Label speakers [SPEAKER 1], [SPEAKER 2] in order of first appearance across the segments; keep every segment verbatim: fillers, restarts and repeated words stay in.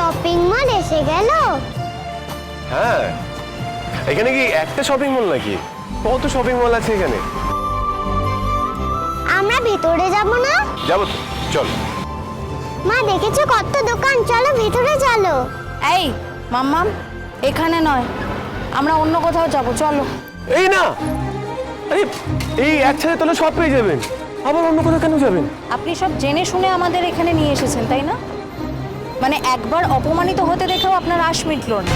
[SPEAKER 1] Shopping mall এসে গেল।
[SPEAKER 2] হ্যাঁ, এখানে কি একটা শপিং মল নাকি? কত শপিং মল আছে এখানে।
[SPEAKER 1] আমরা ভেতরে যাব না?
[SPEAKER 2] যাবো তো, চল।
[SPEAKER 1] মা দেখেছো কত দোকান, চলো ভেতরে চলো।
[SPEAKER 3] এই মাম্মাম, এখানে নয়, আমরা অন্য কোথাও যাব, চলো।
[SPEAKER 2] এই না, আরে এই একসাথে তাহলে সব পেয়ে যাবেন, আবার অন্য কোথাও কেন যাবেন?
[SPEAKER 3] আপনি সব জেনে শুনে আমাদের এখানে নিয়ে এসেছেন, তাই না? মানে একবার অপমানিত হতে দেখেও আপনার আশ মিটল না,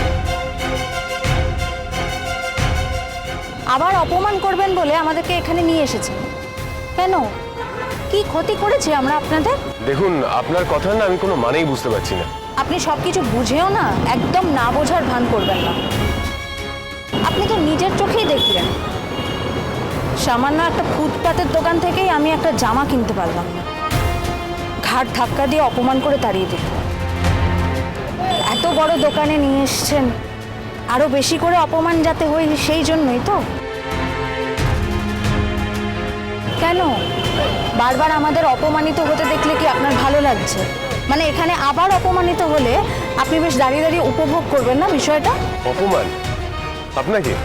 [SPEAKER 3] আবার অপমান করবেন বলে আমাদেরকে এখানে নিয়ে এসেছেন কেন? কি ক্ষতি করেছি আমরা আপনাদের?
[SPEAKER 2] দেখুন, আপনার কথা না আমি কোনো মানেই বুঝতে পারছি না।
[SPEAKER 3] আপনি সবকিছু বুঝেও না একদম না বোঝার ভান করবেন না। আপনি তো নিজের চোখেই দেখলেন, সামান্য একটা ফুটপাতের দোকান থেকেই আমি একটা জামা কিনতে পারলাম না, ঘাট ধাক্কা দিয়ে অপমান করে তাড়িয়ে দিল। এত বড় দোকানে নিয়ে এসছেন, আরো বেশি করে অপমান যাতে হয় সেই জন্যই তো। কেন বারবার আমাদের অপমানিত হতে দেখলে কি আপনার ভালো লাগছে? মানে এখানে আবার অপমানিত হলে আপনি বেশ দাঁড়িয়ে দাঁড়িয়ে উপভোগ করবেন না বিষয়টা?
[SPEAKER 2] অপমান আপনাকে?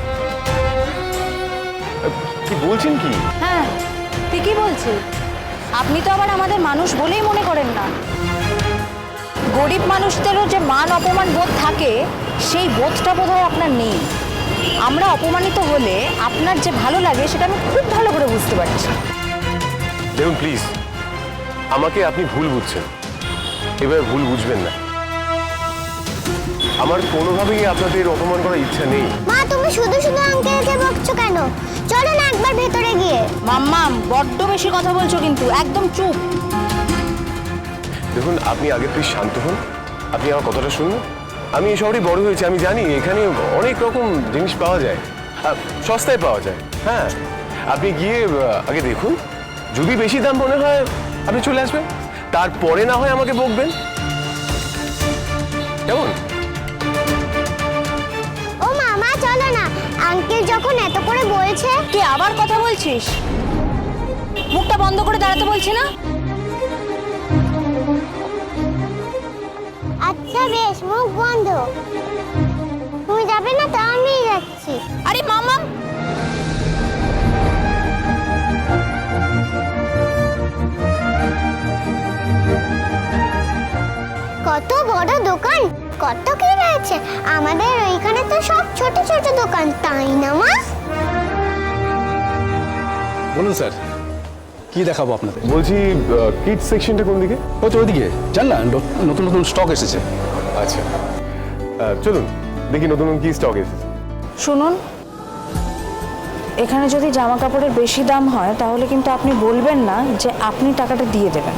[SPEAKER 2] কি বলছেন কি?
[SPEAKER 3] হ্যাঁ, ঠিকই বলছি। আপনি তো আবার আমাদের মানুষ বলেই মনে করেন না। গরিব মানুষদেরও যে মান অপমান বোধ থাকে, সেই বোধটা বোধহয় আপনার নেই। আমরা অপমানিত হলে আপনার যে ভালো লাগে সেটা আমি খুব ভালো করে বুঝতে পারছি।
[SPEAKER 2] দেখুন প্লিজ, আমাকে আপনি ভুল বুঝছেন, এবার ভুল বুঝবেন না। আমার কোনোভাবেই আপনাদের অপমান করার ইচ্ছা নেই।
[SPEAKER 1] মা তুমি শুধু শুধু আঙ্কেলকে বকছো কেন? চলো না একবার ভেতরে গিয়ে।
[SPEAKER 3] মাম্মাম, বড্ড বেশি কথা বলছো কিন্তু, একদম চুপ।
[SPEAKER 2] দেখুন, আপনি আগে প্লিজ শান্ত হন, আপনি আমার কথাটা শুনুন। আমি এই শহরে বড় হয়েছি, আমি জানি এখানে অনেক রকম জিনিস পাওয়া যায়, আর সস্তায় পাওয়া যায়। হ্যাঁ, আপনি গিয়ে আহ, আগে দেখুন, যদি বেশি দাম মনে হয় আপনি চলে আসবেন, তারপরে না হয় আমাকে বকবেন, কেমন?
[SPEAKER 1] ও মামা চলো না, আঙ্কেল যখন এত করে বলছে।
[SPEAKER 3] তুই আবার কথা বলছিস? মুখটা বন্ধ করে দাঁড়াতে বলছি না?
[SPEAKER 1] আচ্ছা বেশ, মুখ বন্ধ। তুমি যাবে না তো আমি যাচ্ছি।
[SPEAKER 3] আরে মাম্মাম,
[SPEAKER 1] কত বড় দোকান, কত কি রয়েছে। আমাদের ওইখানে তো সব ছোট ছোট দোকান, তাই না মা?
[SPEAKER 4] বলুন স্যার, কি দেখাবো আপনাদের?
[SPEAKER 2] বলছি কিডস সেকশনটা কোন দিকে?
[SPEAKER 4] ও তো ওইদিকে, জান না, নতুন নতুন স্টক এসেছে।
[SPEAKER 2] আচ্ছা, আহ, চলুন দেখি নতুন নতুন কি স্টক এসেছে।
[SPEAKER 3] শুনুন, এখানে যদি জামা কাপড়ের বেশি দাম হয় তাহলে কিন্তু আপনি বলবেন না যে আপনি টাকাটা দিয়ে দেবেন।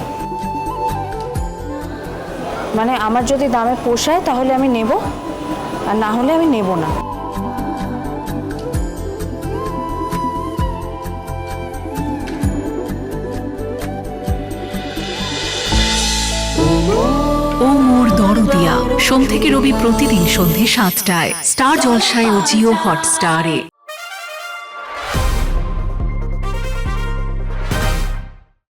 [SPEAKER 3] মানে আমার যদি দামে পোষায় তাহলে আমি নেব, আর না হলে আমি নেব না।
[SPEAKER 5] ও মোর দরদিয়া, সোম থেকে রবি প্রতিদিন সন্ধে সাতটায় স্টার জলসায় ও জিও হটস্টারে।